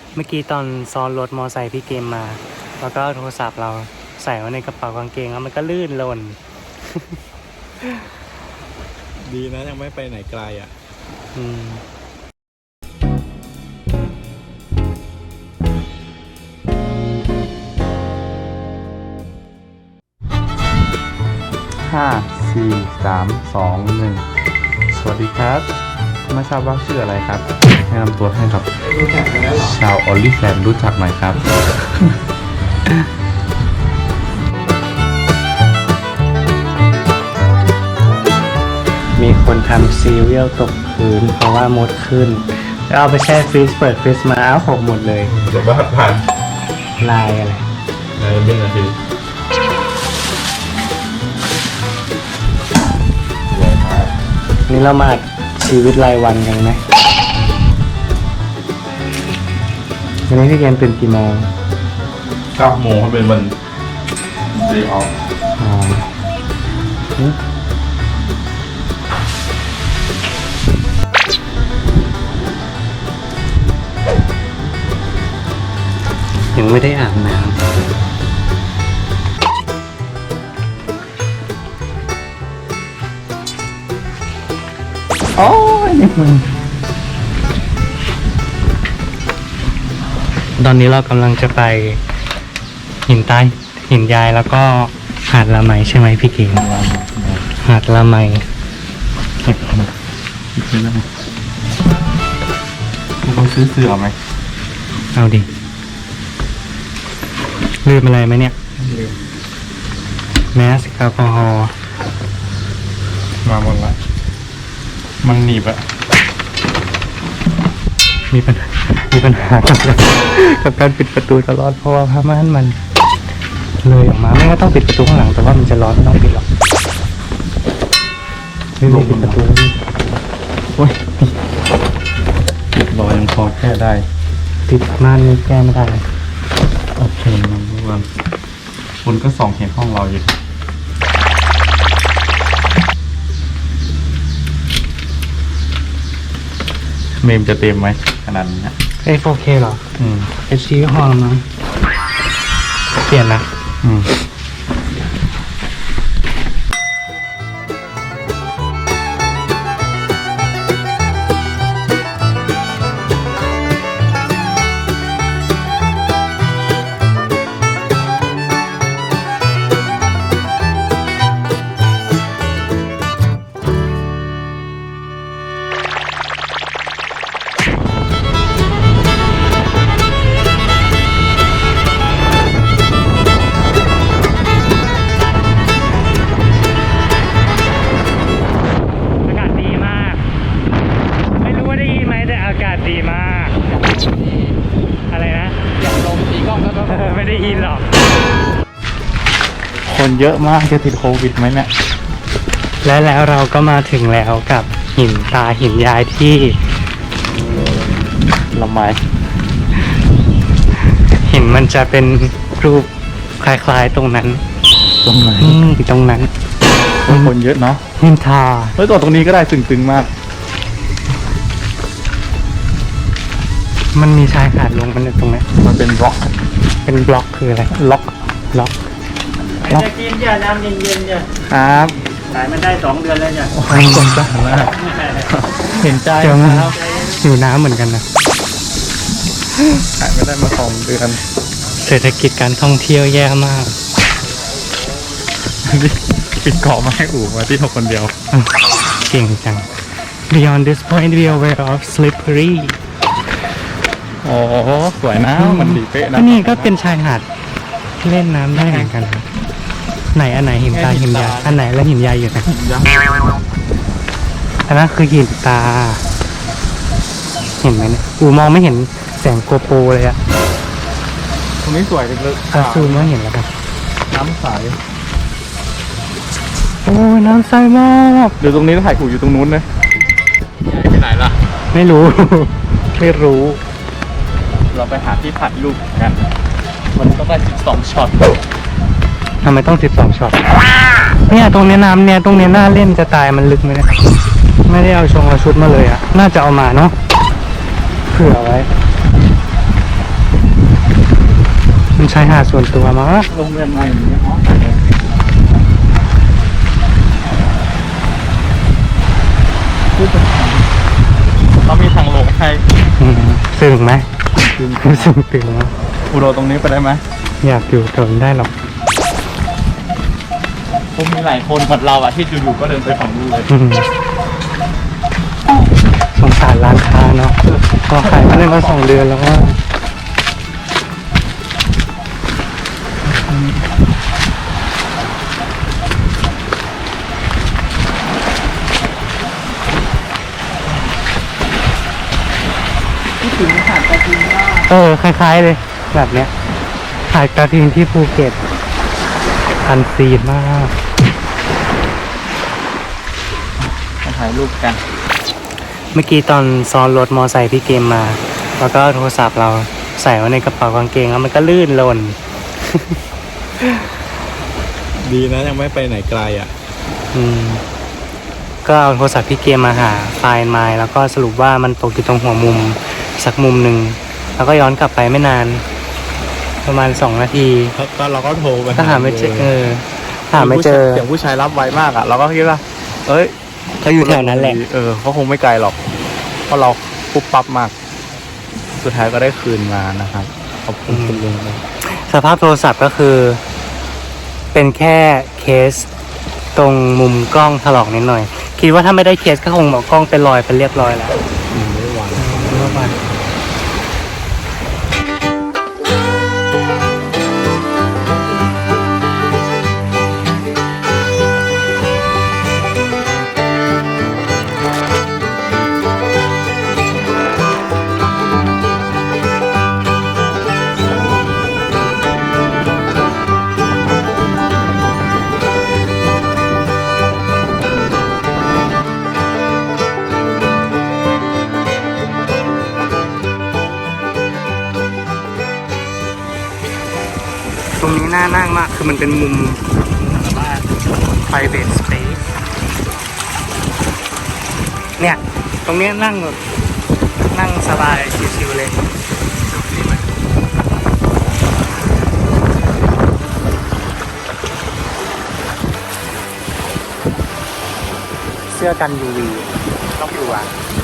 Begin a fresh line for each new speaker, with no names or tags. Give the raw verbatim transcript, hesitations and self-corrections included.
เมื่อกี้ตอนซ้อนรถมอไซค์พี่เกมมาแล้วก็โทรศัพท์เราใส่ไว้ในกระเป๋ากางเกงแล้วมันก็ลื่นหล่น
ดีนะยังไม่ไปไหนไกลอ่ะ
อืม
ห้าสี่สามสองหนึ่งสวัสดีครับไม่ทราบว่าชื่ออะไรครับแนะนำตัวให้ครับชาวออลลี่แฟนรู้จักไหมครับ
มีคนทำซีเรียลตกพื้นเพราะว่ามดขึ้นแล้วเอาไปแช่ฟรีซเปิดฟรีซมาอ้าวหกหมดเลย
เดี๋ยวบ้านผ่าน
ลายอะไร
ในเป็นนาที
นี่เรามาชีวิตรายวันกันไหมวันนี้พี่เกมตื่นกี่โมง
เก้าโมงเขาเป็นวันเดย์ออฟ
อ๋อยังไม่ได้อาบน้ำโอ้ยนี่มันตอนนี้เรากำลังจะไปหินใต้หินยายแล้วก็หาดละไมใช่ไหมพี่เก่งหาดละไม
ต้องซื้อเสื้อไหม
เอาดิลืมอะไรไหมเนี่ยลืมแมสแอลกอฮอล์
มาหมดละมันหนีบอะ
มีปัญหามีปัญหากับกับการปิดประตูตลอดเพราะว่าผ้าม่านมันเลยออกมาไม่ก็ต้องปิดประตูข้างหลังแต่ว่ามันจะร้อนไม่ต้องปิดหรอกไม่ไม่ปิดประตูโอ้ย
ปิดรอยยังพอแก้ได้
ติดม่านนี่แก้ไม่ได้
โอเคนะทุกคนคนก็ส่องเห็นห้องเราอยู่เมมจะเต็มไหมขนาดนี้
เอ้ โฟร์เค เหรอ
อืม
เอช ดี ห้องมั้งเปลี่ยนนะ
อืมคนเยอะมากจะติดโควิดไหมเนี่ย
และแล้วเราก็มาถึงแล้วกับหินตาหินยายที่
ละไม
หินมันจะเป็นรูปคล้ายๆตรงนั้น
ตรงไหน
ตรงนั้น
คนเยอะเนาะ
หินทา
เฮ้ยตัวตรงนี้ก็ได้ตึงๆมาก
มันมีชายหาดลงกันตรงนี้
มันเป็นบล็อก
เป็นบล็อกคืออะไร
ล็อก
ล็อก
จะกินจ้ะน้ำเย็นๆจ้ะ
ครับ
ขายมันได้สองเดือนแล้วจ้ะ
โอ้ยสงสารมากเห็นใจ
ครับอยู่น้ำเหมือนกันนะ
ขายไม่ได้มาสองเดือน
เศรษฐกิจการท่องเที่ยวแย่มาก
ปิดเกาะมาให้อู่มาที่เราคนเดียว
เก่งจัง Beyond this point we are aware of slippery
โอ้สวยนะมันดีเป๊ะนะ
นี่ก็เป็นชายหาดเล่นน้ำได้เหมือนกันไหนอันไหนหินตาหินยายอันไหนแล้วหินยายอยู่ไหนอันนั้นคือหินตาเห็นไหมเนี่ยอูมองไม่เห็นแสงโกโปรเลยอะ
ตรงนี้สวยเลย
ตาซูมไม่เห็นแล้วกัน
น้ำใส
โอ้ยน้ำใสมาก
เดี๋ยวตรงนี้ถ่ายกูอยู่ตรงนู้นเลยไปไหนล่ะ
ไม่รู้ไม่รู้
เราไปหาที่ถ่ายรูปกันมันต้องได้สิบสองช็อต
ทำไมต้องสิบสองช็อตเนี่ยตรงนี้น้ำเนี่ยตรงนี้น่าเล่นจะตายมันลึกไหมเนี่ยไม่ได้เอาชงเอาชุดมาเลยอะน่าจะเอามาเนาะเผื่อไว้ชายหาดส่วนตัวมั้ง
โรงเรียนใหม่อย่างเงี้ยอ๋อ
เขามีทางลงให้
อืมซึ้งไหมซึ้งตึงมั้ย
อุโรตรงนี้ไปได้ไหม
อยากอยู่แถวนี้ได้หรอก
ผมมีหลายคนเหมือนเราอะที่อยู่ๆก็เดินไปฝั่งนู้นเลย
อืมสงสารร้านค้าเนาะพอขายมาได้มาสองเดือนแล้วว่าเออ คล้ายๆเลย แบบเนี้ยหาดกระทิงที่ภูเก็ตอันซีนมาก
มาถ่ายรูปกัน
เมื่อกี้ตอนซ้อนรถมอไซค์พี่เกมมา แล้วก็โทรศัพท์เราใส่ไว้ในกระเป๋ากางเกงแล้วมันก็ลื่นหล่น
ดีนะยังไม่ไปไหนไกลอ่ะ
อืม ก็เอาโทรศัพท์พี่เกมมาหาไฟล์มาแล้วก็สรุปว่ามันตกอยู่ตรงหัวมุมสักมุมหนึ่ง แล้วก็ย้อนกลับไปไม่นาน ประมาณสองนาที
ก็เราก็โทรไป
ก็หาไม่เจอเออหาไม่เจอ
เสียงผู้ชายรับไวมากอ่ะ เราก็คิดว่า เอ้ย
เขาอยู่แถวนั้นแหละ
เออเขาคงไม่ไกลหรอก เพราะเราปุ๊บปั๊บมาก สุดท้ายก็ได้คืนมานะครับ ขอบคุณคุณลุงนะ
สภาพโทรศัพท์ก็คือ เป็นแค่เคสตรงมุมกล้องถลอกนิดหน่อย คิดว่าถ้าไม่ได้เคสก็คงบอกกล้องเป็นรอยเป็นเรียบร้อยแล้ว
อืมไม่ไหว
เมื่อวาน ตรงนี้น่านั่งมาก คือมันเป็นมุมแบบว่า private space เนี่ย ตรงเนี้ยนั่งแบบนั่งสบาย ชิวๆเลย เสื้อกัน ยู วี ต้องอยู่อ่ะ